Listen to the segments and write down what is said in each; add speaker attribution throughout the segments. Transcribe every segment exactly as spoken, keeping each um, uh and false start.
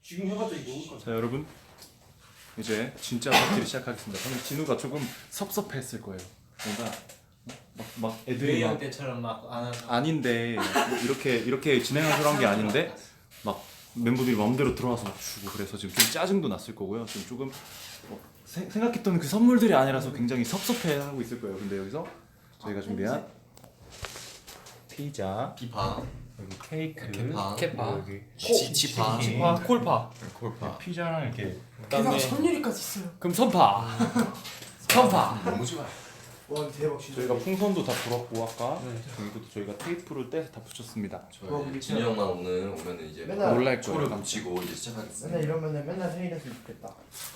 Speaker 1: 지금 해봤자 이거 올 거야.
Speaker 2: 자 여러분 이제 진짜 파티를 시작하겠습니다. 방금 진우가 조금 섭섭했을 거예요. 뭔가 막, 막 애들이
Speaker 3: 웨이형
Speaker 2: 막
Speaker 3: 때처럼 막 안 하고
Speaker 2: 아닌데 이렇게 이렇게 진행하기로 한 게 아닌데 막 멤버들이 마음대로 들어와서 막 주고 그래서 지금 좀 짜증도 났을 거고요. 지금 조금 뭐 세, 생각했던 그 선물들이 아니라서 굉장히 섭섭해하고 있을 거예요. 근데 여기서 저희가 준비한 피자,
Speaker 4: 피파,
Speaker 2: 여기 케이크,
Speaker 4: 케파,
Speaker 3: 케파
Speaker 2: 여기
Speaker 4: 치, 치파,
Speaker 3: 아 콜파
Speaker 4: 콜파.
Speaker 2: 피자랑 이렇게
Speaker 1: 게다가 선율이까지 있어요.
Speaker 3: 그럼 선파 선파
Speaker 4: 너무 좋아.
Speaker 1: 와 대박 진짜.
Speaker 2: 저희가 풍선도 다 불었고 아까
Speaker 3: 네.
Speaker 2: 이것도 저희가 테이프로 떼서 다 붙였습니다.
Speaker 4: 저희 진이 형만 오늘 오면은 이제
Speaker 1: 맨날
Speaker 2: 놀랄
Speaker 4: 초를
Speaker 2: 거예요.
Speaker 4: 붙이고 이제 시작하겠습니다.
Speaker 1: 맨날 이러면은 맨날 생일했으면 좋겠다.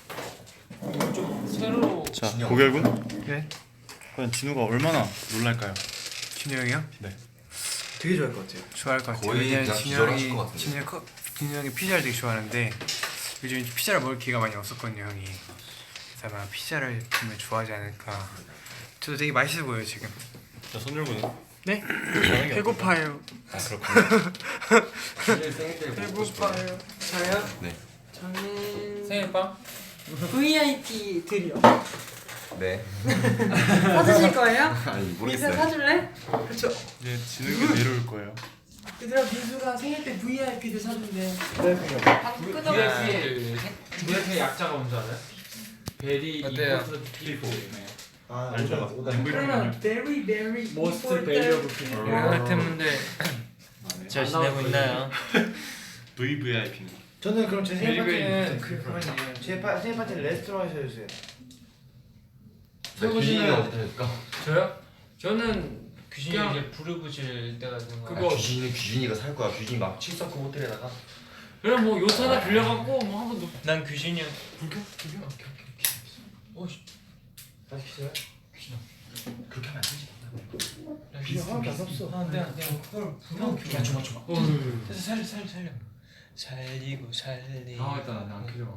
Speaker 3: 새로
Speaker 2: 자
Speaker 4: 진영.
Speaker 2: 고결군.
Speaker 5: 네?
Speaker 2: 과연 진우가 얼마나 놀랄까요?
Speaker 5: 진우 형이요?
Speaker 2: 네.
Speaker 5: 되게 좋아할 것 같아요. 좋아할 것 같아요.
Speaker 4: 거의
Speaker 5: 왜냐면
Speaker 4: 그냥
Speaker 5: 진우
Speaker 4: 기절하실
Speaker 5: 형이
Speaker 4: 것 같은데.
Speaker 5: 진우 형이 커- 진우 형이 피자를 되게 좋아하는데 요즘 피자를 먹을 기회가 많이 없었거든요, 형이. 그래서 아마 피자를 정말 좋아하지 않을까. 저도 되게 맛있어 보여요 지금.
Speaker 2: 자 손열군은?
Speaker 5: 네? 배고파요.
Speaker 2: 아 그렇군요.
Speaker 4: 진이 생일 때 먹고 싶어요.
Speaker 5: 배고파요. 저요?
Speaker 4: 네.
Speaker 3: 저는 생일빵
Speaker 6: 브이아이피 드려.
Speaker 4: 네.
Speaker 6: 사주실 거예요?
Speaker 4: 아니
Speaker 6: 민수
Speaker 4: 모르겠어요.
Speaker 6: 사줄래?
Speaker 2: 이제 진우가 내려올 거예요.
Speaker 1: 얘들아 민수가 생일 때 브이아이피를 사준대.
Speaker 6: 방금 끊어.
Speaker 3: 브이아이피 약자가 뭔지 알아요? 베리
Speaker 5: 어때요?
Speaker 3: 이포트
Speaker 1: 아
Speaker 2: 알죠.
Speaker 6: 그러면 very very
Speaker 3: 모스트
Speaker 6: important.
Speaker 3: 밸류어블 피플
Speaker 5: 같은 분들 잘 지내고 있나요?
Speaker 2: 브이브이아이피는
Speaker 1: 저는 그럼 제 생일
Speaker 3: Very, very
Speaker 1: 파티는 그 그만이에요. 제 파, 생일 파티는 레스토랑에서 해주세요.
Speaker 4: 귀신이 어디 할까?
Speaker 3: 저요? 저는
Speaker 5: 귀신이
Speaker 3: 그냥-
Speaker 5: 이제 부르부질 때가 되는
Speaker 3: 그거-
Speaker 4: 그거 귀신이 귀신이가 살 거야. 귀신이 막 칠성급 호텔에다가.
Speaker 3: 그냥 뭐 요트 하나 빌려갖고 뭐 한번 놓
Speaker 5: 난 귀신이야.
Speaker 3: 불켜? 불켜? 오케이 오케이 오케이
Speaker 1: 다시 키세요.
Speaker 4: 그렇게 하면 안 되지.
Speaker 1: 비료 하나도 안 썼어.
Speaker 3: 안돼 안돼 그걸 불러
Speaker 4: 야 줘봐 줘봐.
Speaker 5: 그래서 살려 살려 살려. 살리고 살리.
Speaker 3: 당황했다 나안 켜져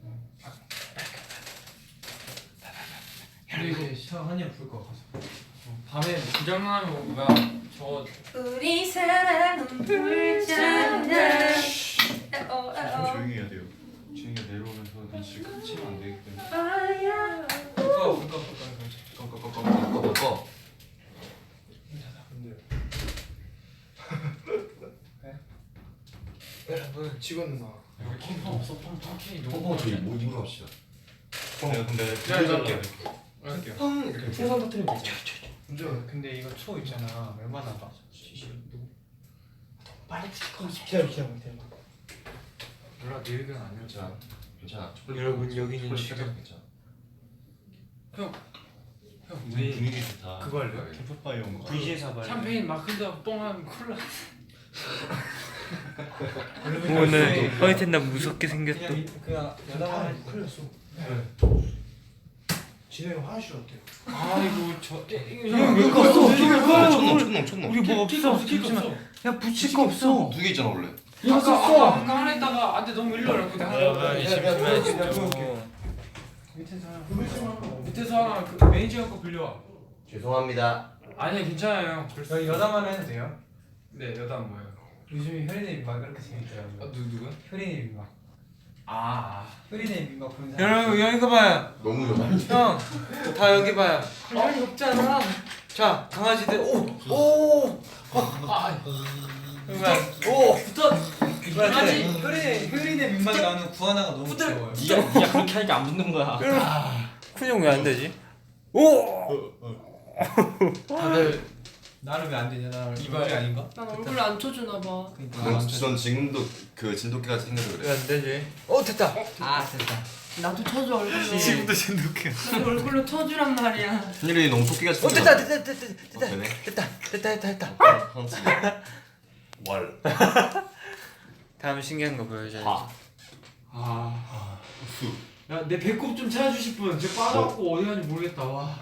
Speaker 3: 근데 이거 샤워 한이야 불거 가서 밤에 부장난하면 뭐야 저거
Speaker 6: 우리 사랑은 불잖아. 어, 어,
Speaker 2: 좀
Speaker 6: 어.
Speaker 2: 조용히 해야 돼요. 진우가 내려오면서 눈치를 깜치면 안 되기 때문에.
Speaker 6: 아야.
Speaker 3: 불꺼 불꺼 불꺼
Speaker 4: 꺼꺼꺼꺼꺼 꺼꺼.
Speaker 5: 여러분
Speaker 1: 직원 누나.
Speaker 3: 여기 pom펌 없어 pom펌 케이 너무
Speaker 4: pom펌 저희 뭐 입으로 합시다.
Speaker 2: 내가 근데
Speaker 3: 야, 이거 할게요. 할게요
Speaker 4: 펑 이렇게.
Speaker 1: 풍선 터트리면 되죠.
Speaker 5: 근데 근데 이거 초 있잖아. 얼마나 봐?
Speaker 1: 빨리 기다려 기다려 기다려.
Speaker 3: 몰라 네 의견 아니야
Speaker 4: 자 괜찮아.
Speaker 5: 여러분 여기는
Speaker 4: 초콜릿
Speaker 5: 지금
Speaker 4: 살짝 괜찮아.
Speaker 2: 우리 분위기 좋다.
Speaker 5: 그거 할래요?
Speaker 2: 캠프파이어 온 거.
Speaker 5: 브이지에서 봐.
Speaker 3: 샴페인 막 흔들어 뻥하면 콜라
Speaker 5: 오늘 허이텐 나 무섭게 생겼어.
Speaker 1: 그냥 그냥 연락만 풀렸어. 진호 형 화장실 어때요?
Speaker 3: 아이고 저
Speaker 1: 형, 왜 껐어?
Speaker 4: 촌놈 촌놈 촌놈.
Speaker 5: 우리 뭐
Speaker 3: 키가
Speaker 5: 없어.
Speaker 3: 없어 키가 없어
Speaker 5: 야 붙일 거 없어.
Speaker 4: 두 개 있잖아 원래.
Speaker 1: 이거
Speaker 3: 아까
Speaker 1: 썼어.
Speaker 3: 아까 아까 하나 했다가 안돼 너무 일러 이러고 내가 하나
Speaker 5: 심심해 진짜.
Speaker 3: 밑에서 하나 밑에서 하나 그 매니저 형 거 빌려와
Speaker 4: 죄송합니다.
Speaker 3: 아니야 괜찮아요
Speaker 5: 여기 여담만 해도 돼요?
Speaker 3: 네 여담 뭐예요?
Speaker 5: 요즘에 효린의 막 그렇게 재밌더라고요.
Speaker 3: 아 누, 누구야?
Speaker 5: 효린의 막
Speaker 3: 아
Speaker 5: 효린의 막 보는 사람. 여러분 여기 거 봐요.
Speaker 4: 너무 여담이.
Speaker 5: 형, 다 여기 봐요.
Speaker 6: 별이 없잖아.
Speaker 5: 자, 강아지들 오, 오,
Speaker 3: 아,
Speaker 5: 오.
Speaker 3: 붙어
Speaker 5: 강아지 효린의 효린의 민망이 나오는 구하나가 너무 귀여워요.
Speaker 3: 니가 니가 그렇게 하니까 안 붙는 거야
Speaker 5: 큰형 왜 안 되지? 오.
Speaker 3: 다들
Speaker 5: 나는 왜 안 되냐? 나
Speaker 3: 이발.
Speaker 5: 얼굴이 아닌가?
Speaker 6: 난 얼굴 안 쳐주나 봐.
Speaker 5: 그러니까.
Speaker 4: 넌 지금도 그 진돗개가 생겨서 그래.
Speaker 5: 왜 안 되지? 오 됐다. 아 됐다.
Speaker 6: 나도 쳐줘 얼굴로.
Speaker 5: 지금도 진돗개.
Speaker 6: 나도 얼굴로 쳐주란 말이야.
Speaker 4: 신일이 너무 토끼가
Speaker 5: 오 됐다 됐다 됐다 됐다
Speaker 4: 어, 되네.
Speaker 5: 됐다 됐다 됐다 됐다.
Speaker 4: 헌치. 월.
Speaker 5: 다음 신기한 거 보여줘야지.
Speaker 4: 화.
Speaker 3: 아 야내 배꼽 좀 찾아주실 분 저 빠져갖고 어디 가는지 모르겠다 와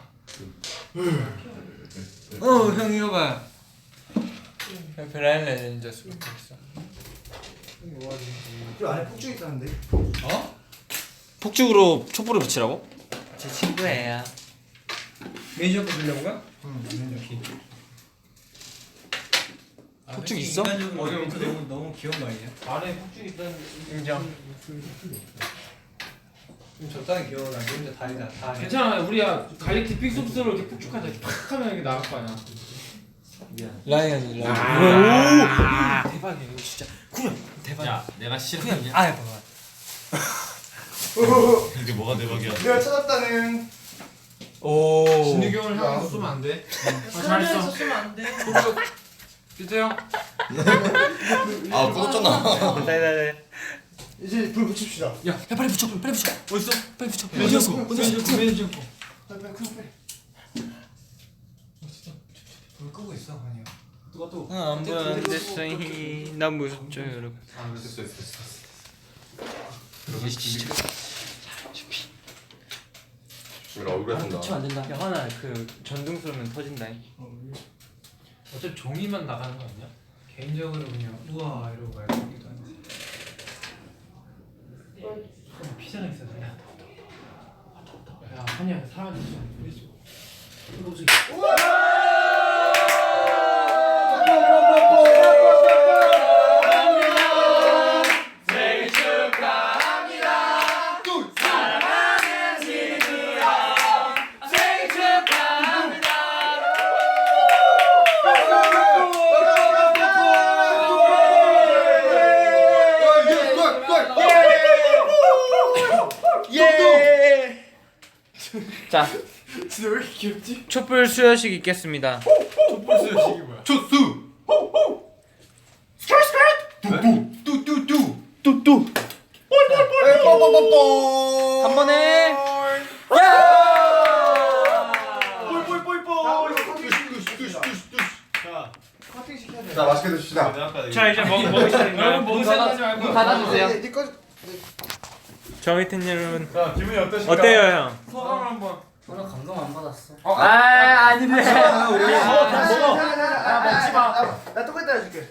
Speaker 5: 어, 형 이거 봐. 브라인 레전드 스포츠.
Speaker 1: 그 안에 폭죽 있다는데.
Speaker 7: 폭죽으로 촛불을 붙이라고?
Speaker 5: 제 친구예요. 매니저 거 주려고요?
Speaker 1: 응.
Speaker 5: 폭죽 있어?
Speaker 3: 인간적으로
Speaker 5: 어려워.
Speaker 3: 멘트 너무 너무 귀여운 거 아니냐?
Speaker 1: 안에 폭죽 있다는
Speaker 5: 인정.
Speaker 3: 좀 적당히 귀여워. 나 혼자 다 해다 다 해.
Speaker 1: 괜찮아 우리야 갈릭 디핑 소스로 이렇게 폭죽하자 이렇게 팍 하면 이게 나갈 거 아니야.
Speaker 5: 라이언이 라이언.
Speaker 1: 아,
Speaker 5: 대박이야 이거 진짜. 구현 대박.
Speaker 1: 야 내가 싫어.
Speaker 5: 구현. 아 봐봐.
Speaker 2: 이게 뭐가 대박이야?
Speaker 4: 내가 찾았다는.
Speaker 5: 오.
Speaker 3: 진욱이 형을 향해서 쏘면 안 돼.
Speaker 6: 잘했어. 쓰면 안 돼.
Speaker 1: 주세요.
Speaker 4: 아 꺼졌잖아.
Speaker 5: 네네네.
Speaker 7: 이제 불 붙입시다.
Speaker 5: 야, 야 빨리 붙여, 빨리 붙여.
Speaker 1: 어딨어?
Speaker 5: 빨리 붙여. 어디였어? 어디였어?
Speaker 3: 매니저 거.
Speaker 7: 빨리 빨리 큰 빨리.
Speaker 3: 불 끄고 있어 아니야.
Speaker 1: 누가 또?
Speaker 5: 안 보였는데 난 무섭죠 여러분.
Speaker 4: 아 됐어 됐어 됐어. 지금 얼굴에 쓴다.
Speaker 6: 붙이면 안 된다.
Speaker 5: 야 하나 그 전등 쏘면 터진다.
Speaker 1: 어차피 종이만 나가는 거 아니야?
Speaker 3: 개인적으로 그냥 우와 이러고 가야 되기도 한데.
Speaker 1: 그럼 피자가 있어야 돼. 야 한이야 사람이 있어.
Speaker 5: 자,
Speaker 7: 진짜 왜 이렇게 귀엽지?
Speaker 5: 촛불 수여식 있겠습니다.
Speaker 3: 촛불 수여식이 뭐야?
Speaker 4: 초수.
Speaker 7: 뚜뚜뚜.
Speaker 5: 뚜뚜.
Speaker 7: 뽀뽀뽀뽀.
Speaker 5: 한 번에.
Speaker 7: 커팅 시켜야 돼.
Speaker 4: 자 맛있게 드십시다.
Speaker 5: 자 이제 먹 먹을 시간인가요?
Speaker 1: 먹은 생각하지 말고
Speaker 6: 문 닫아주세요.
Speaker 7: 네, 네 거.
Speaker 5: 정희태 여러분
Speaker 2: 자 기분이 어떠신가요?
Speaker 5: 어때요 형?
Speaker 1: 소감을 한번.
Speaker 6: 오늘 감동 안 받았어.
Speaker 5: 아 아니네.
Speaker 7: 먹지 마. 나 똑같이 해줄게.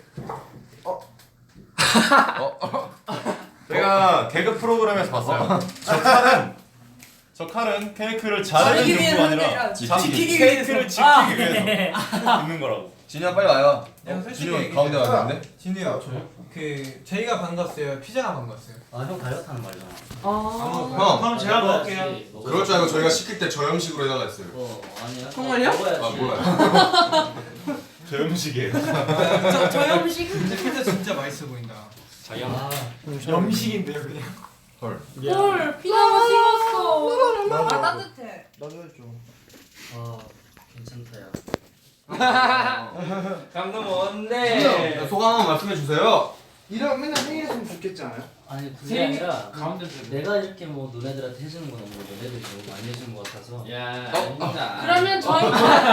Speaker 2: 제가 개그 프로그램에서 봤어요. 저 칼은 저 칼은 케이크를 자르는
Speaker 6: 자르기
Speaker 2: 용도가
Speaker 6: 위해서
Speaker 2: 아니라
Speaker 6: 아니라
Speaker 2: 지키기
Speaker 6: 지키기
Speaker 2: 케이크를
Speaker 6: 위해서.
Speaker 2: 지키기
Speaker 6: 아.
Speaker 2: 위해서 있는 거라고.
Speaker 4: 진이야 빨리 와요.
Speaker 3: 형 솔직히
Speaker 4: 진이 형
Speaker 3: 얘기해.
Speaker 4: 가운데 왔는데?
Speaker 3: 진우야 그 저희가 반갑어요. 피자가 반갑어요.
Speaker 6: 아형 다이어트 하는 말이잖아.
Speaker 3: 아.
Speaker 4: 형
Speaker 3: 그럼 제가 먹을게요.
Speaker 4: 그럴 줄 알고 저희가 시킬 때 저 형식으로 해달라 했어요.
Speaker 6: 어 아니야. 정말요?
Speaker 4: 아 몰라요.
Speaker 2: 저 음식이에요.
Speaker 6: 저, 저 음식.
Speaker 3: 근데 피자 진짜 맛있어 보인다.
Speaker 6: 아,
Speaker 3: 염식인데요 그냥.
Speaker 4: 헐.
Speaker 6: 헐 피자가 식었어. 아 따뜻해.
Speaker 7: 나도 해줘.
Speaker 6: 아 괜찮다 야.
Speaker 1: 감동
Speaker 4: 야,
Speaker 1: 뭔데?
Speaker 4: 소감 한번 말씀해 주세요.
Speaker 7: 이런 맨날 생일했으면 좋겠지 않아요?
Speaker 6: 아니 그게 아니라
Speaker 1: 가운데
Speaker 6: 내가 이렇게 뭐 너네들한테 해주는 건 너무 너네들이 너무 많이 해주는 것 같아서.
Speaker 1: 야
Speaker 6: 아닙니다.
Speaker 8: 그러면 저희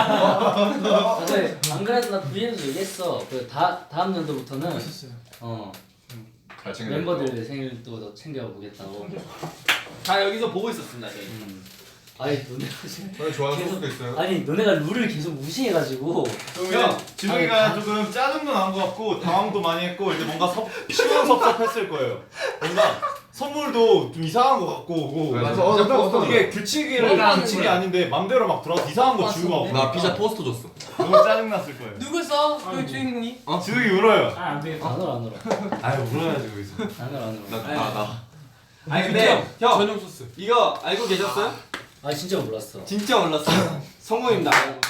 Speaker 6: 근데 안 그래도 나 브이엠도 얘기했어. 그 다 다음 연도부터는 어
Speaker 4: 잘 챙겨.
Speaker 6: 멤버들 생일도 더 챙겨보겠다고.
Speaker 1: 다 여기서 보고 있었습니다 저희.
Speaker 6: 음. 아니 너네가 지금
Speaker 4: 저희 좋아하는
Speaker 6: 계속-
Speaker 4: 소스도 있어요.
Speaker 6: 아니 너네가 룰을 계속 무시해가지고.
Speaker 2: 형 진우이가 조금 짜증도 난 것 같고 당황도 많이 했고 이제 뭔가 섭, 시원섭섭했을 거예요. 뭔가 선물도 좀 이상한 것 갖고 오고
Speaker 4: 맞아.
Speaker 7: 어, 어떤 어떤
Speaker 2: 이게 규칙이 규칙이 아닌데 맘대로 막 들어가서 이상한 거 주고 막
Speaker 4: 나 피자 토스트 줬어.
Speaker 2: 너무 짜증났을 거예요.
Speaker 1: 누구 써? 그 주인공이?
Speaker 2: 진우이 울어요.
Speaker 6: 아안 되겠다. 안 울어 안 울어.
Speaker 2: 아유 울어야지 거기서.
Speaker 6: 안 울어 안 울어.
Speaker 4: 나 나.
Speaker 1: 아니 근데 형
Speaker 3: 전용 소스.
Speaker 1: 이거 알고 계셨어요?
Speaker 6: 아 진짜 몰랐어.
Speaker 1: 진짜 몰랐어요. 성공입니다.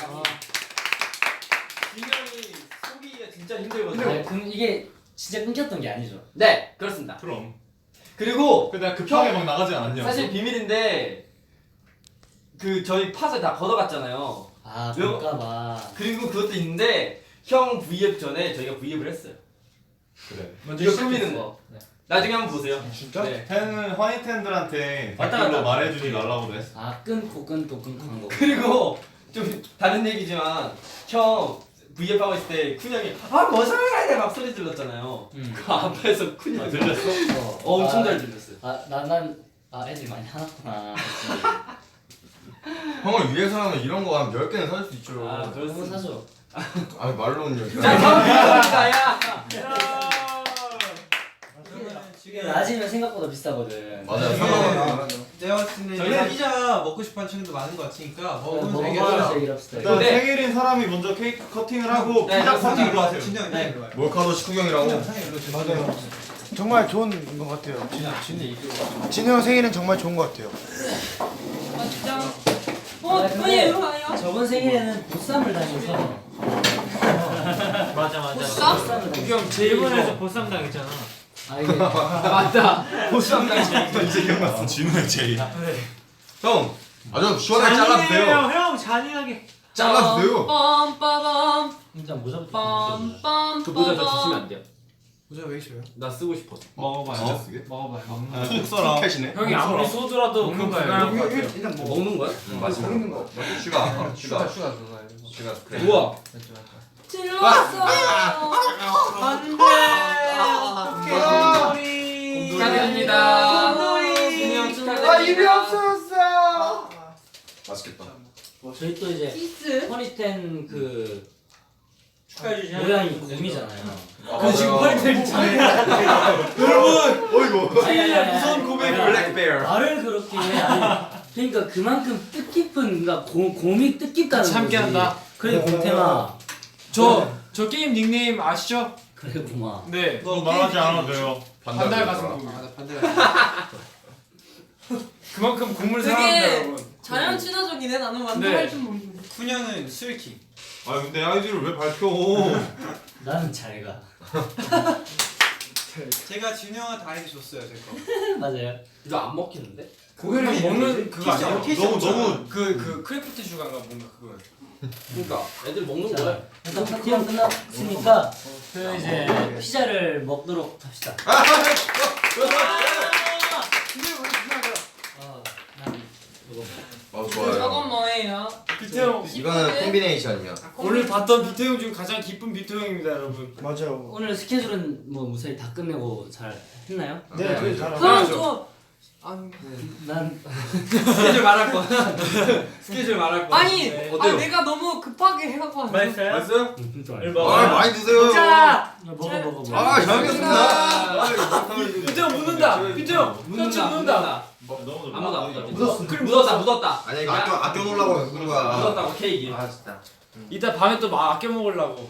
Speaker 1: 진영이 속이기가 진짜 힘들거든요.
Speaker 6: 아니, 그, 이게 진짜 끊겼던 게 아니죠.
Speaker 1: 네 그렇습니다.
Speaker 2: 그럼.
Speaker 1: 그리고
Speaker 2: 근데 내가 급하게 막 나가지 않았냐?
Speaker 1: 사실 비밀인데 그 저희 팟을 다 걷어갔잖아요.
Speaker 6: 아
Speaker 1: 왜요?
Speaker 6: 볼까봐.
Speaker 1: 그리고 그것도 있는데 형 브이앱 전에 저희가 브이앱을 했어요.
Speaker 2: 그래.
Speaker 1: 이거 꾸미는 거.
Speaker 6: 네.
Speaker 1: 나중에 한번 보세요.
Speaker 7: 진짜?
Speaker 1: 네.
Speaker 2: 팬은 화이트핸들한테
Speaker 1: 왔다
Speaker 2: 댓글로
Speaker 1: 갔다.
Speaker 2: 말해주지 말라고도 했어.
Speaker 6: 아 끊고 끊고 끊고 한 거.
Speaker 1: 그리고 좀 다른 얘기지만 형 브이앱 하고 있을 때 쿤 형이 아뭐 소리야 막 소리 질렀잖아요.
Speaker 6: 음.
Speaker 1: 그 앞에서 쿤 형이
Speaker 2: 들렸어?
Speaker 6: 어,
Speaker 1: 어, 엄청
Speaker 6: 아,
Speaker 1: 잘 들렸어요.
Speaker 6: 아난난아 애들이 많이 화났구나.
Speaker 4: 형을 위해서라면 이런 거 한 열 개는 살 수 있죠.
Speaker 1: 아,
Speaker 6: 그런 거
Speaker 1: 그렇습니다.
Speaker 6: 사줘.
Speaker 4: 아 말로는 여기.
Speaker 1: 자, 다음 기회입니다. 야.
Speaker 6: 지금 낮이면 생각보다 비싸거든.
Speaker 4: 맞아요.
Speaker 3: 내가 봤을 때는
Speaker 1: 저희는
Speaker 3: 피자 먹고 싶어하는 친구도 많은 것 같으니까 먹으면서
Speaker 6: 먹어보면서
Speaker 3: 얘기하자.
Speaker 6: 얘기를 합시다.
Speaker 2: 일단
Speaker 1: 근데-
Speaker 2: 생일인 사람이 먼저 케이크 커팅을 하고
Speaker 1: 네,
Speaker 2: 피자
Speaker 1: 그렇습니다.
Speaker 2: 커팅으로 하세요.
Speaker 3: 진영
Speaker 6: 네.
Speaker 3: 일로 와요.
Speaker 4: 몰카도 식후경이라고.
Speaker 7: 맞아요. 정말 좋은 것 같아요. 진우 형 생일은 정말 좋은 것 같아요.
Speaker 8: 아 진짜.
Speaker 6: 아,
Speaker 8: 어,
Speaker 6: 근데-
Speaker 8: 아니 이거 아니야?
Speaker 6: 저번 생일에는 보쌈을 다녀서
Speaker 3: 맞아 맞아.
Speaker 8: 보쌈?
Speaker 6: 보쌈을 다녀서
Speaker 3: 형 일본에서 보쌈 당했잖아.
Speaker 6: 아 이게
Speaker 1: 맞다. 보쌈 당시.
Speaker 2: 이제 기억났어. 진우의 제이.
Speaker 4: 형, 아주 시원하게 잘라주세요.
Speaker 3: 형 잔인하게.
Speaker 4: 잘라주세요.
Speaker 8: 빰빠밤
Speaker 6: 진짜 모자부터
Speaker 8: 빰빰.
Speaker 1: 그 모자 저 주시면 안 돼요.
Speaker 3: 모자 왜 싫어요?
Speaker 1: 나 쓰고 싶어.
Speaker 3: 먹어봐요.
Speaker 4: 진짜 쓰게?
Speaker 3: 먹어봐요.
Speaker 2: 꼭 써라.
Speaker 4: 캣이네.
Speaker 3: 형이 아무리 소주라도 그건 불가능한 것 같아요.
Speaker 7: 일단 뭐
Speaker 1: 먹는 거야?
Speaker 7: 먹는 거.
Speaker 4: 슈가, 슈가,
Speaker 3: 슈가 그거예요.
Speaker 4: 슈가. 그래.
Speaker 1: 우와.
Speaker 8: 질렀어.
Speaker 3: 안돼. 곰돌이.
Speaker 1: 축하드립니다.
Speaker 8: 곰돌이.
Speaker 7: 아 입이 없어졌어.
Speaker 4: 맛있겠다.
Speaker 6: 저희 또 이제
Speaker 8: 키스.
Speaker 6: 허니텐 그
Speaker 3: 축하해 주시죠.
Speaker 6: 모양이 곰이잖아요.
Speaker 4: 그 지금 펄
Speaker 2: 여러분, 어이구.
Speaker 6: 아니 아니 아니
Speaker 2: 무서운 고백.
Speaker 4: 블랙베어.
Speaker 6: 말을 그렇게 아니 그러니까 그만큼 뜻깊은 그러니까 고, 곰이 뜻깊다는 거지.
Speaker 3: 참게 한다.
Speaker 6: 그래 곰템아.
Speaker 3: 저, 저 게임 닉네임 아시죠?
Speaker 6: 그래 곰아.
Speaker 3: 네.
Speaker 2: 너 말하지 않아도 돼요.
Speaker 3: 반달 가슴 곰. 아, 나 반달 가슴. 그만큼 곰을 사랑한다
Speaker 8: 되게
Speaker 3: 여러분.
Speaker 8: 자연 친화적이네. 나는
Speaker 3: 네.
Speaker 8: 완전 할 줄 모르는데.
Speaker 3: 쿤형은 스위킹.
Speaker 2: 아 근데 아이디를 왜 밝혀?
Speaker 6: 나는 잘 가.
Speaker 3: 제가 진우 형한테 아이디 줬어요 제 거.
Speaker 6: 맞아요.
Speaker 1: 이거 안 먹히는데?
Speaker 3: 그거를 먹는 그거 아니에요?
Speaker 2: 너무 너무
Speaker 3: 그그 크래프트 슈가인가 뭔가 그거.
Speaker 1: 그러니까 애들 먹는
Speaker 6: 자,
Speaker 1: 거야.
Speaker 6: 일단 파티가 끝났으니까 그 이제 피자를 먹도록 합시다. 아, 난 이거
Speaker 4: 아,
Speaker 8: 저건
Speaker 4: 좋아요.
Speaker 8: 뭐예요?
Speaker 3: 비트형
Speaker 4: 이거는 콤비네이션이요.
Speaker 3: 오늘 봤던 비트형 중 가장 기쁜 비트형입니다 여러분.
Speaker 7: 맞아요.
Speaker 6: 오늘 스케줄은 뭐 무사히 다 끝내고 잘 했나요?
Speaker 7: 네, 저희 잘.
Speaker 8: 그럼 저
Speaker 6: 난
Speaker 1: 스케줄 말할 거. 스케줄 말할 거.
Speaker 8: 아니,
Speaker 1: 네.
Speaker 8: 아
Speaker 1: 어때요?
Speaker 8: 내가 너무 급하게 해갖고 왔는데.
Speaker 3: 맛있어요?
Speaker 4: 맛있어요?
Speaker 6: 음, 좀
Speaker 4: 아,
Speaker 6: 알아.
Speaker 4: 많이 드세요.
Speaker 8: 자,
Speaker 6: 먹어 먹어 먹어.
Speaker 4: 아, 잘 먹겠습니다.
Speaker 3: 비트형 묻는다. 비트형 셔츠 묻는다.
Speaker 1: 아무도 안 묻었지.
Speaker 7: 묻었어.
Speaker 1: 그럼 묻었다 묻었다.
Speaker 4: 아니, 이거 아껴, 아껴 놓으려고 그런 거야.
Speaker 1: 묻었다고 케이크.
Speaker 3: 아 진짜. 이따 밤에 또 막 아껴 먹으려고.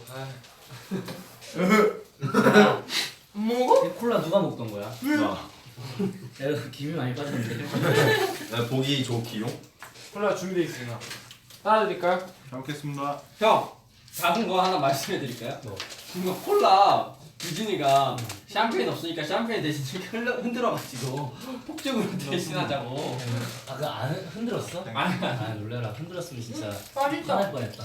Speaker 8: 뭐고?
Speaker 6: 이 콜라 누가 먹던 거야?
Speaker 2: 나.
Speaker 6: 야, 이거 김이 많이 빠졌는데.
Speaker 4: 나 보기 좋기용.
Speaker 3: 콜라 준비돼 있으나. 따라드릴까요?
Speaker 2: 잘 먹겠습니다.
Speaker 1: 형 작은 거 하나 말씀해 드릴까요?
Speaker 6: 뭐?
Speaker 1: 이거 콜라 유진이가 샴페인 없으니까 샴페인 대신 이렇게 흘러, 흔들어가지고 폭죽으로 대신하자고.
Speaker 6: 아, 그거 안 흔들었어?
Speaker 1: 아니,
Speaker 6: 아, 놀래라. 흔들었으면 진짜
Speaker 8: 맛있다.
Speaker 6: 화날 뻔했다.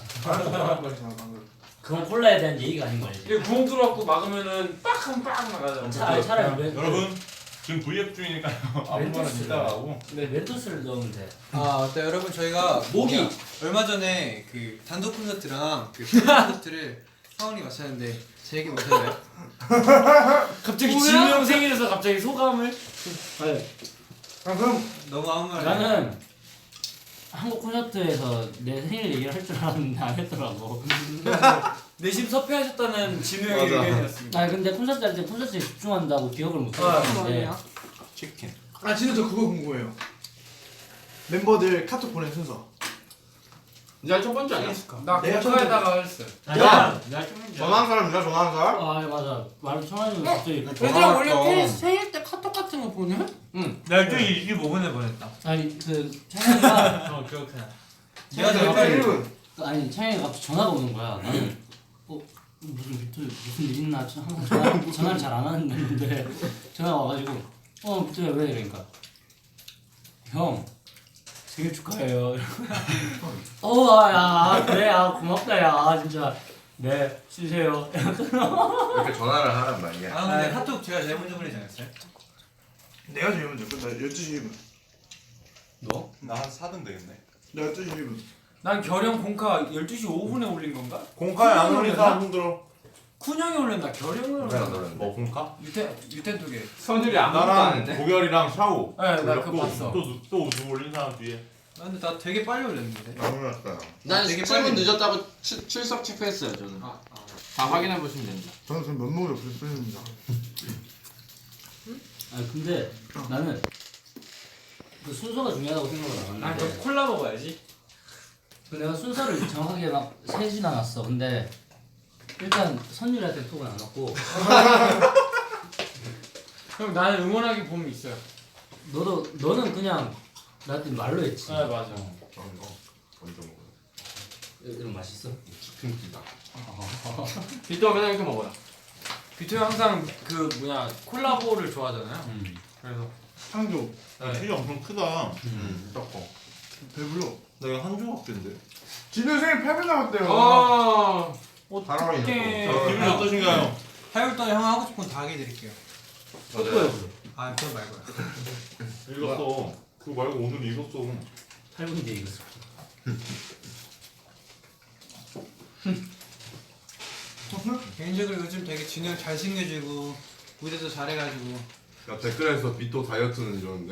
Speaker 6: 그건 콜라에 대한 예의가 아닌 거 알지?
Speaker 3: 이게 구멍 뚫어갖고 막으면은 빡 하면 빡 나가잖아.
Speaker 6: 차, 차라리 왜,
Speaker 2: 여러분 지금 브이앱 중이니까요. 아무거나 이따가 하고.
Speaker 6: 왜 멘토스를 넣으면 돼?
Speaker 9: 아, 네 여러분 저희가
Speaker 1: 모기.
Speaker 9: 뭐냐, 얼마 전에 그 단독 콘서트랑 그 프로 콘서트를 사원이 마쳤는데 제 얘기 못했나요?
Speaker 3: 갑자기
Speaker 8: 뭐야?
Speaker 3: 진우 형 생일에서 갑자기 소감을?
Speaker 7: 아 그럼
Speaker 9: 너무 아무 말.
Speaker 6: 나는 한국 콘서트에서 내 생일 얘기를 할 줄 알았는데 안 했더라고.
Speaker 3: 내심 섭외하셨다는 진우 형의
Speaker 4: 맞아.
Speaker 3: 의견이었습니다.
Speaker 6: 아 근데 콘서트 할 때 콘서트에 집중한다고 기억을 못
Speaker 3: 아,
Speaker 6: 하는데
Speaker 8: 뭐예요?
Speaker 2: 치킨.
Speaker 7: 아 진짜 저 그거 궁금해요. 멤버들 카톡 보낸 순서.
Speaker 1: 이제 첫 번째 아니야?
Speaker 3: 나
Speaker 7: 내가
Speaker 3: 공카에다가 했어.
Speaker 4: 야! 전화한 사람이야, 전화한 사람?
Speaker 6: 아 맞아 말을 청하는 갑자기
Speaker 8: 얘들아 원래 생일, 생일 때 카톡 같은 거 보내?
Speaker 3: 날짜 이십오 분에 보냈다.
Speaker 6: 아니 그 창현이가
Speaker 3: 어 기억해.
Speaker 9: 내가 제일 빨리.
Speaker 7: 일 분.
Speaker 6: 아니 창현이가 갑자기 전화가 오는 거야. 나는 어 무슨 비트 무슨 일 있나 항상 전화 전화를 잘 안 하는데 전화가 와가지고 어 비트야 왜 이러니까 형 생일 축하해요. 어야 그래 야 고맙다 야 진짜 네 쉬세요.
Speaker 4: 이렇게 전화를 하란 말이야.
Speaker 9: 아 근데 카톡 제가 제일 먼저 보내지 않았어요?
Speaker 7: 내가 제일 먼저 끝나 열두 시 일 분.
Speaker 2: 너? 나한 사 등 되겠네.
Speaker 7: 나 열두 시 일 분.
Speaker 3: 난 결영 공카 열두 시 오 분에 올린 건가?
Speaker 2: 공카에 안 올린 사람 손 들어.
Speaker 3: 쿤 형이 올렸나? 결영이
Speaker 4: 왜 안
Speaker 3: 올렸나?
Speaker 4: 들었는데?
Speaker 2: 뭐 공카?
Speaker 3: 유태 유태 두 개.
Speaker 1: 선율이 아무것도 안
Speaker 2: 나랑
Speaker 1: 했는데.
Speaker 2: 고결이랑 샤오.
Speaker 3: 네, 나
Speaker 2: 올렸고,
Speaker 3: 그거 봤어.
Speaker 2: 또또 누구 올린 사람 뒤에.
Speaker 9: 아, 근데 나 되게 빨리 올렸는데.
Speaker 4: 안 올랐어요.
Speaker 1: 난
Speaker 9: 되게
Speaker 1: 칠 분
Speaker 9: 빨리-
Speaker 1: 늦었다고 출, 출석 체크했어요 저는.
Speaker 9: 아, 아.
Speaker 1: 다 확인해 보시면 됩니다.
Speaker 7: 저는 지금 면목이 없을 뿐입니다.
Speaker 6: 아 근데 나는 그 순서가 중요하다고 생각을 안
Speaker 3: 아,
Speaker 6: 하는데
Speaker 3: 너 콜라 먹어야지.
Speaker 6: 그 내가 순서를 정확하게 막 세진 않았어. 근데 일단 선율한테 톡은 안 왔고
Speaker 3: 형 나는 응원하기 봄이 있어요.
Speaker 6: 너도 너는 그냥 나한테 말로 했지.
Speaker 3: 아 맞아.
Speaker 6: 어.
Speaker 4: 저런 거 먼저 먹어요.
Speaker 6: 이런 맛있어?
Speaker 4: 치킨 기다.
Speaker 3: 비토 맨날 이렇게 먹어요. 비토 항상 그 뭐냐 콜라보를 좋아하잖아요.
Speaker 6: 음.
Speaker 3: 그래서
Speaker 7: 한조.
Speaker 2: 야, 키가 엄청 크다.
Speaker 4: 음. 딱
Speaker 7: 배불러.
Speaker 2: 나 이거 한 조각인데.
Speaker 7: 진우 생일 팔 분 남았대요.
Speaker 3: 아
Speaker 4: 잘 어울린다.
Speaker 3: 어떡해.
Speaker 2: 기분이 어떠신가요?
Speaker 9: 팔월달에 형 하고 싶은 거 다 하게 해드릴게요.
Speaker 6: 뽀뽀해.
Speaker 9: 아 그건 말고요.
Speaker 2: 읽었어. 그거 말고 오늘 읽었어.
Speaker 6: 팔 분인데 이거.
Speaker 9: 개인적으로 요즘 되게 진우 형 잘생겨지고 무대도 잘해가지고
Speaker 4: 야 댓글에서 비토 다이어트는 이러는데.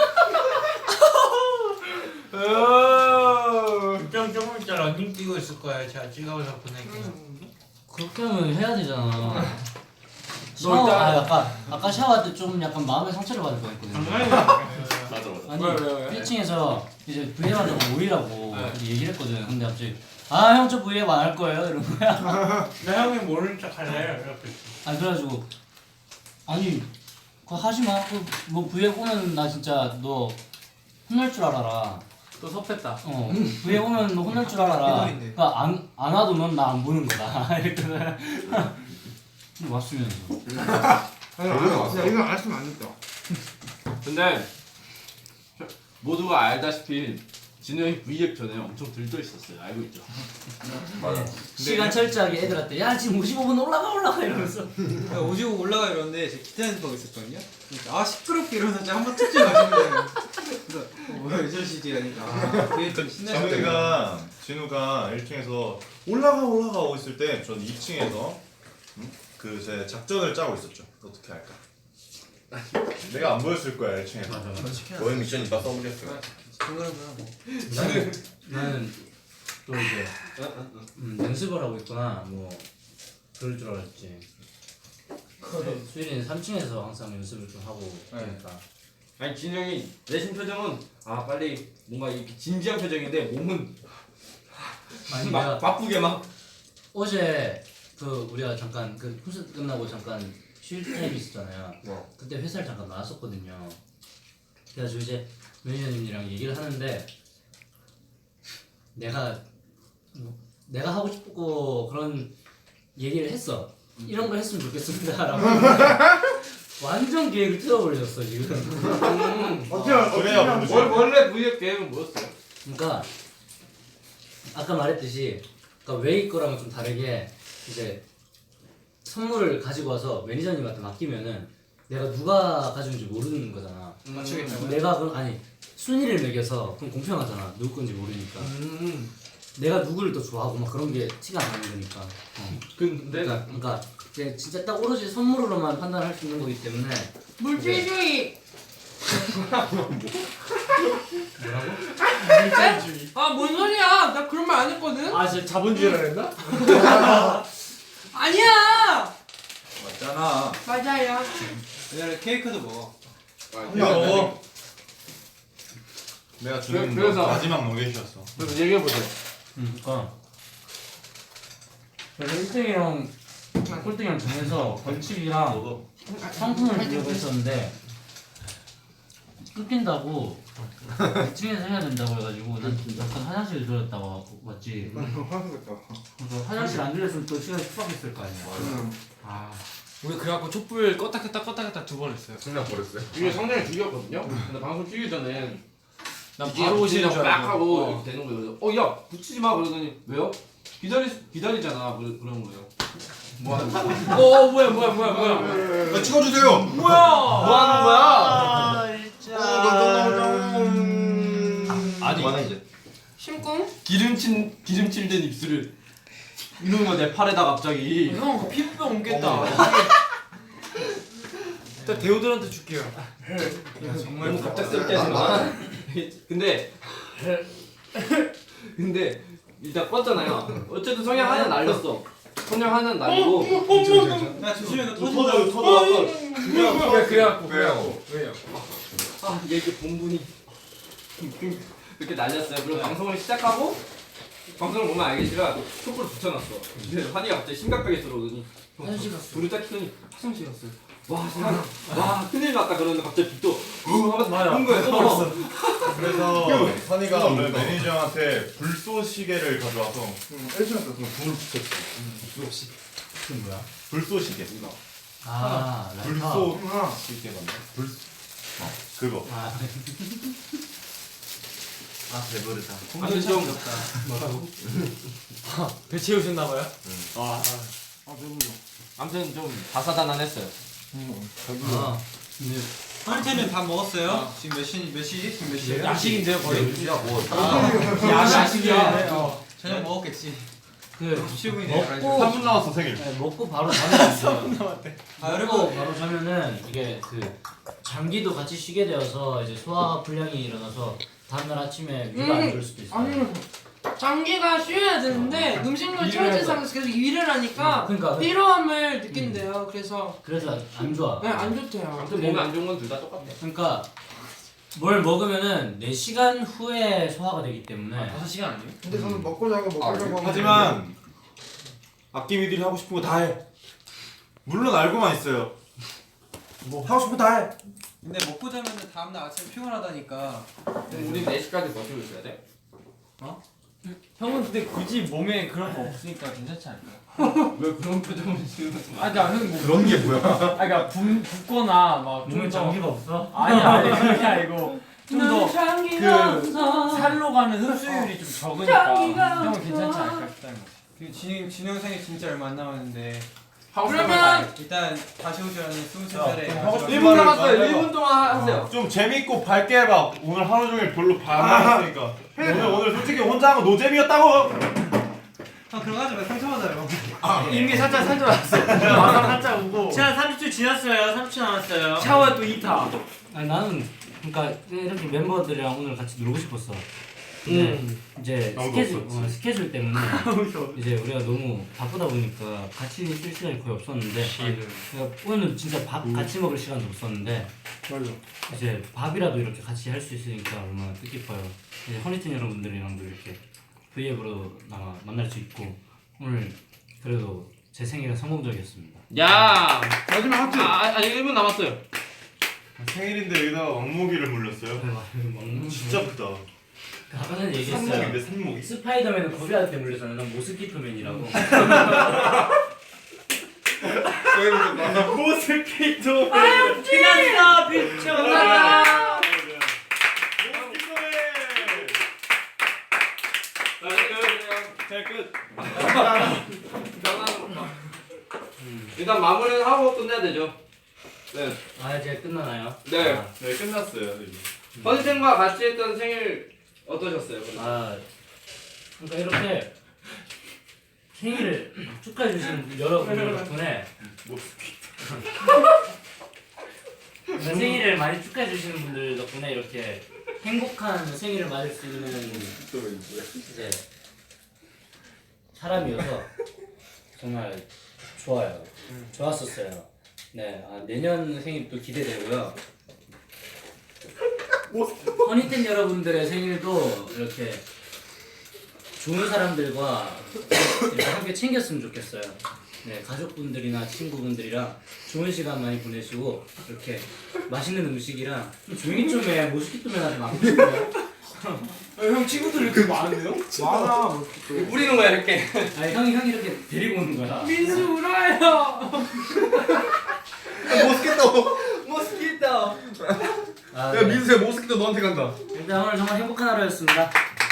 Speaker 8: 좀 조금 있다 런닝 뛰고 있을 거야. 제가 찍어서 보내니까.
Speaker 6: 그렇게 하면 해야 되잖아. 샤워, 아 아까 아까 샤워할 때 좀 약간 마음의 상처를 받을 뻔했거든.
Speaker 2: 맞아 맞아.
Speaker 6: 아니
Speaker 3: 왜, 왜, 왜?
Speaker 6: 일 층에서 이제 브이앱한테 모이라고
Speaker 3: 네.
Speaker 6: 이제 얘기를 했거든. 근데 갑자기 아 형 저 브이앱 안 할 거예요 이런 거야.
Speaker 8: 내 형이 모르는 척 할래. 이렇게.
Speaker 6: 아 그래가지고 아니 그거 하지 마. 그뭐 브이앱 오면 나 진짜 너 혼날 줄 알아라.
Speaker 3: 또 섭했다.
Speaker 6: 어 브이앱 오면 너 혼날 줄 알아라.
Speaker 9: 해버린대.
Speaker 6: 그러니까 안, 안 와도 넌 나 안 보는 거다. 이랬거든. 근데 왔으면서.
Speaker 7: 아니 야 이거 안 했으면 안 됐다.
Speaker 1: 근데 모두가 알다시피 진우 형이 브이앱 전에 엄청 들떠 있었어요. 알고 있죠?
Speaker 4: 맞아.
Speaker 6: 시간 철저하게 애들한테 야 지금 오십오 분 올라가 올라가 이러면서.
Speaker 9: 오지고 올라가 이러는데 제가 기타 연습하고 있었거든요. 그러니까 아 시끄럽게 이러면서 한번 툭 마시는 거예요. 그래서 어, 뭐야 왜 저러시지 하니까 아 그게 좀 신나셨어요.
Speaker 2: 진우가 진우가 일 층에서 올라가 올라가 오고 있을 때 전 이 층에서 그 제 작전을 짜고 있었죠. 어떻게 할까? 내가 안 보였을 거야 일 층에서.
Speaker 4: 너의 미션 이따 써보겠어요.
Speaker 9: 그거라고요 뭐.
Speaker 6: 나는 나는 또 이제 음, 연습을 하고 있구나 뭐 그럴 줄 알았지. 수일이는 삼 층에서 항상 연습을 좀 하고 그러니까.
Speaker 1: 아니 진우 형이 내신 표정은 아 빨리 뭔가 이렇게 진지한 표정인데 몸은
Speaker 6: 아니
Speaker 1: 막
Speaker 6: 내가
Speaker 1: 바쁘게 막
Speaker 6: 어제 그 우리가 잠깐 그 콘서트 끝나고 잠깐 쉴 타임이 있었잖아요.
Speaker 4: 어.
Speaker 6: 그때 회사를 잠깐 나왔었거든요. 그래가지고 이제 매니저님이랑 얘기를 하는데 내가 내가 하고 싶고 그런 얘기를 했어. 이런 걸 했으면 좋겠습니다라고. 완전 계획을 틀어버리셨어 지금.
Speaker 7: 어떻게
Speaker 2: 그래야
Speaker 7: 어떻게
Speaker 2: 모르지.
Speaker 1: 원- 원래 브이앱 계획은 뭐였어요?
Speaker 6: 그러니까 아까 말했듯이 그러니까 웨이 거랑은 좀 다르게 이제 선물을 가지고 와서 매니저님한테 맡기면은 내가 누가 가져온지 모르는 거잖아.
Speaker 9: 맞추겠다고요?
Speaker 6: 내가 그럼 아니 순위를 매겨서 그럼 공평하잖아. 누구 건지 모르니까.
Speaker 1: 음.
Speaker 6: 내가 누구를 더 좋아하고 막 그런 게 티가 안 나는 거니까. 어.
Speaker 1: 근데
Speaker 6: 그러니까, 그러니까 이제 진짜 딱 오로지 선물로만 판단할 수 있는 거기 때문에.
Speaker 8: 물질주의.
Speaker 6: 뭐라고?
Speaker 8: 아뭔 소리야? 나 그런 말 안 했거든.
Speaker 3: 아 진짜 자본주의라 그랬나?
Speaker 8: 아니야.
Speaker 2: 맞잖아.
Speaker 8: 맞아요.
Speaker 9: 옛날에 케이크도 먹어.
Speaker 2: 야, 내가 주는
Speaker 3: 그래서-
Speaker 2: 거 마지막 노겟이었어.
Speaker 1: 그래서 얘기해 보세요.
Speaker 6: 응. 그러니까 그래서 일 등이랑 꼴등이랑 정해서 벌칙이랑
Speaker 2: 너도
Speaker 6: 상품을 주려고 했었는데 끊긴다고 이 층에서 해야 된다고 해가지고 난 잠깐 화장실 들렸다가 왔지. 그래서 화장실 안 들렸으면 또 시간이 추박했을 거 아니야.
Speaker 3: 아 우리 그래갖고 촛불 껐다 켰다 껐다 켰다 두 번 했어요.
Speaker 4: 승낙 버렸어요.
Speaker 1: 이게 상당히 죽였거든요. 근데 방송 키기 전에
Speaker 3: 난 바로 오시는 줄
Speaker 1: 막
Speaker 3: 알고.
Speaker 1: 하고
Speaker 3: 어.
Speaker 1: 이렇게 되는 거예요. 어 야 붙이지 마 그러더니 왜요? 기다리 기다리잖아 그러, 그런 거예요. 뭐 하는 거야?
Speaker 3: 어 뭐야 뭐야 뭐야 뭐야.
Speaker 4: 야, 찍어주세요.
Speaker 3: 뭐야?
Speaker 1: 뭐 하는 거야? 아니
Speaker 4: 그만해 이제.
Speaker 8: 심쿵?
Speaker 1: 기름친 기름칠 된 입술을 이러는 거 내 팔에다 갑자기.
Speaker 3: 형 피부병 옮겠다. 일단 대우들한테 줄게요.
Speaker 1: 너무 갑작스럽게 하지만 근데 근데 일단 껐잖아요. 어쨌든 성향 하나 날렸어. 선정하는 날이고.
Speaker 9: 야 조심해 너 터진다.
Speaker 4: 터져 터져.
Speaker 3: 그래 그래갖고 그래갖고 왜요?
Speaker 1: 아 이게 이렇게 본분이 이렇게 날렸어요. 그리고 방송을 시작하고 방송을 보면 알겠지만 촛불을 붙여놨어. 근데 환희가 갑자기 심각하게 들어오더니
Speaker 6: 화장실 갔어.
Speaker 1: 불을 딱 켜더니 화장실 갔어요. 와 세상에 와 큰일 났다 그러는데 갑자기 빛도 후 하면서 본 거예요.
Speaker 2: 그래서 선이가 원래 매니저 형한테 불쏘 시계를 가져와서 일주일 동안 불을 붙였어.
Speaker 6: 그 뭐야?
Speaker 2: 불쏘 시계.
Speaker 6: 아 라이터.
Speaker 2: 불쏘 시계 맞나? 불 어, 그거.
Speaker 6: 아,
Speaker 2: 아 배부르다.
Speaker 1: 아무튼 좀
Speaker 3: 배 채우셨나봐요?
Speaker 6: 아,
Speaker 1: 아무튼 좀 다사다난했어요.
Speaker 6: 아 근데
Speaker 9: 한테는 다 먹었어요? 지금 몇 시? 몇 시? 지금 몇 시야?
Speaker 3: 야식인데요 거의.
Speaker 9: 야식이야. 어. 저녁 먹었겠지.
Speaker 6: 그
Speaker 9: 치우고
Speaker 6: 먹고
Speaker 2: 삼 분 남았어 생일.
Speaker 6: 네, 먹고 바로 자면
Speaker 9: 아
Speaker 6: 먹고
Speaker 9: 여러분
Speaker 6: 바로 자면은 이게 그 장기도 같이 쉬게 되어서 이제 소화 불량이 일어나서 다음날 아침에 위가 안 좋을 수도 있어요.
Speaker 8: 아니 장기가 쉬어야 되는데 음식물 처지 상에서 계속 일을 하니까
Speaker 6: 그러니까
Speaker 8: 피로함을 느낀대요. 그래서
Speaker 6: 그래서 안 좋아.
Speaker 8: 네, 안 좋대요.
Speaker 1: 아무튼 몸에 안 좋은 건 둘 다 똑같아.
Speaker 6: 그러니까 뭘 먹으면은 네 시간 후에 소화가 되기 때문에
Speaker 3: 다섯 시간 아니에요?
Speaker 7: 근데 저는 먹고 자고 먹고 자고 하면
Speaker 2: 하지만 아낌이들이 하고 싶은 거 다 해. 물론 알고만 있어요. 뭐 하고 싶은 거 다 해.
Speaker 9: 근데 먹고 자면 다음날 아침에 피곤하다니까.
Speaker 1: 우리 네 시까지 버티고 있어야 돼.
Speaker 3: 형은 근데 굳이 몸에 그런 거 없으니까 괜찮지 않을까요?
Speaker 1: 왜 그런 표정을 지으면
Speaker 3: 아 그러니까 형뭐
Speaker 2: 그런 게 뭐야?
Speaker 3: 아 그러니까 붓, 붓거나
Speaker 6: 몸에
Speaker 3: 막좀더
Speaker 6: 장기가 없어?
Speaker 3: 아니 아니 그게 아니고 좀 더
Speaker 8: 장기가
Speaker 3: 그
Speaker 8: 없어.
Speaker 3: 살로 가는 흡수율이 좀 적으니까
Speaker 8: 장기가
Speaker 3: 형은
Speaker 8: 없어.
Speaker 3: 괜찮지 않을까 싶다는 거지.
Speaker 9: 그 진영 진영 생일 진짜 얼마 안 남았는데
Speaker 8: 그러면
Speaker 9: 일단 다시 오시라는 스무 살에
Speaker 2: 하고 싶은
Speaker 1: 일 분 남았어요. 일 분 동안 하세요.
Speaker 2: 좀 재밌고 밝게 해봐. 오늘 하루 종일 별로 안 했으니까. 오늘 오늘 솔직히 혼자 한 거 노잼이었다고.
Speaker 9: 아 그럼 하지 마 상처받아요.
Speaker 3: 이미 살짝 살짝 왔어. 와서 살짝 오고.
Speaker 6: 자 삼십 초 지났어요. 삼십 초 남았어요.
Speaker 3: 샤워 또 이 타.
Speaker 6: 아니 나는 그러니까 이렇게 멤버들이랑 오늘 같이 놀고 싶었어. 근데 이제
Speaker 2: 아무도
Speaker 6: 스케줄
Speaker 2: 없었지.
Speaker 6: 어, 스케줄 때문에 이제 우리가 너무 바쁘다 보니까 같이 있을 시간이 거의 없었는데 그러니까 오늘 진짜 밥 같이 먹을 시간도 없었는데 이제 밥이라도 이렇게 같이 할 수 있으니까 얼마나 뜻깊어요. 이제 허니튼 여러분들이랑도 이렇게 브이앱으로 아마 만날 수 있고 오늘 그래도 제 생일은 성공적이었습니다.
Speaker 1: 야
Speaker 2: 마지막 하트.
Speaker 1: 아 아직 일 분 남았어요.
Speaker 2: 생일인데 여기다가 왕모기를 물렸어요.
Speaker 6: 먹는
Speaker 2: 진짜 크다.
Speaker 6: 아까 전에 얘기했어요.
Speaker 2: 산모기인데 산모기.
Speaker 6: 스파이더맨은 거리한테 물렸잖아. 난 모스키토맨이라고.
Speaker 2: 모스키토.
Speaker 6: 티났어 비춰라.
Speaker 1: 잘 끝. 일단 마무리는 하고 끝내야 되죠. 네.
Speaker 6: 아 이제 끝나나요?
Speaker 1: 네.
Speaker 6: 아,
Speaker 2: 네 끝났어요. 이제.
Speaker 1: 허니텐과 같이 했던 생일 어떠셨어요?
Speaker 6: 아 그러니까 이렇게 생일을 축하해 주신 여러분들 덕분에 그러니까 생일을 많이 축하해 주시는 분들 덕분에 이렇게 행복한 생일을 맞을 수 있는 이제 사람이어서 정말 좋아요. 좋았었어요. 네, 아, 내년 생일도 기대되고요. 허니텐 여러분들의 생일도 이렇게 좋은 사람들과 이렇게 함께 챙겼으면 좋겠어요. 네, 가족분들이나 친구분들이랑 좋은 시간 많이 보내시고 이렇게 맛있는 음식이랑 좀 조용히 좀 해. 모스키토맨한테 막고 싶어요.
Speaker 3: 형 친구들 이렇게 많은데요?
Speaker 7: 많아.
Speaker 1: 뿌리는 거야 이렇게.
Speaker 6: 아니 형이 형이 이렇게 데리고 오는 거야.
Speaker 8: 민수 울어요.
Speaker 4: 모스키토.
Speaker 1: 모스키토.
Speaker 6: 아,
Speaker 4: 야
Speaker 6: 네.
Speaker 4: 민수야 모스키토 너한테 간다.
Speaker 6: 일단 오늘 정말 행복한 하루였습니다.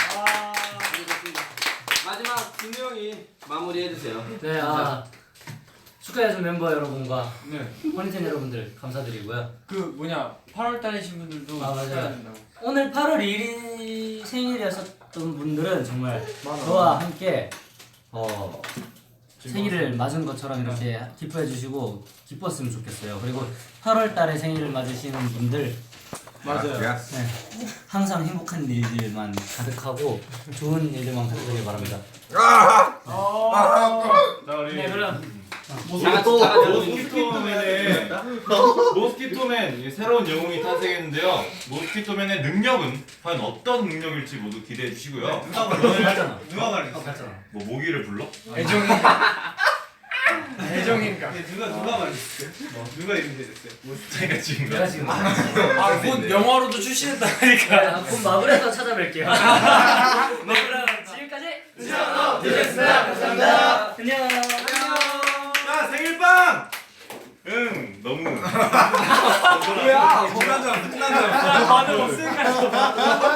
Speaker 1: 마지막 준우 형이 마무리해 주세요.
Speaker 6: 네, 아 축하해준 멤버 여러분과
Speaker 3: 네.
Speaker 6: 허니텐 여러분들 감사드리고요.
Speaker 3: 그 뭐냐 팔월 달이신 분들도
Speaker 6: 아, 맞아요.
Speaker 3: 축하드린다고.
Speaker 6: 오늘 팔월 일일 생일이었던 분들은 정말 저와 함께 어, 생일을 맞은 것처럼 이렇게 기뻐해 주시고 기뻤으면 좋겠어요. 그리고 팔월 달에 생일을 맞으시는 분들
Speaker 3: 맞아요.
Speaker 6: 네, 항상 행복한 일들만 가득하고 좋은 일들만 가득하길 바랍니다.
Speaker 4: 아!
Speaker 2: 자 우리
Speaker 6: 네 그럼
Speaker 1: 또
Speaker 2: 모스키토맨의 모스키토맨 이 새로운 영웅이 탄생했는데요. 모스키토맨의 능력은 과연 어떤 능력일지 모두 기대해 주시고요.
Speaker 9: 누가
Speaker 2: 오늘
Speaker 6: 갔잖아.
Speaker 9: 누가 말했어?
Speaker 6: 어 갔잖아.
Speaker 2: 뭐 모기를 불러?
Speaker 5: 애정인가? 애정인가?
Speaker 9: 근데 누가 누가 말했어? 누가 이름 대줬어요?
Speaker 2: 제가 지금
Speaker 6: 내가 지금
Speaker 3: 아곧 영화로도 출시했다니까.
Speaker 6: 곧 마블에서 찾아뵐게요. 마블은 지금까지
Speaker 1: 됐습니다. 감사합니다.
Speaker 6: 안녕.
Speaker 2: 자 생일빵! 응 너무
Speaker 1: 뭐야?
Speaker 4: 끝난 줄 알았어. 끝난 줄 알았어.
Speaker 6: 다들 없으니까.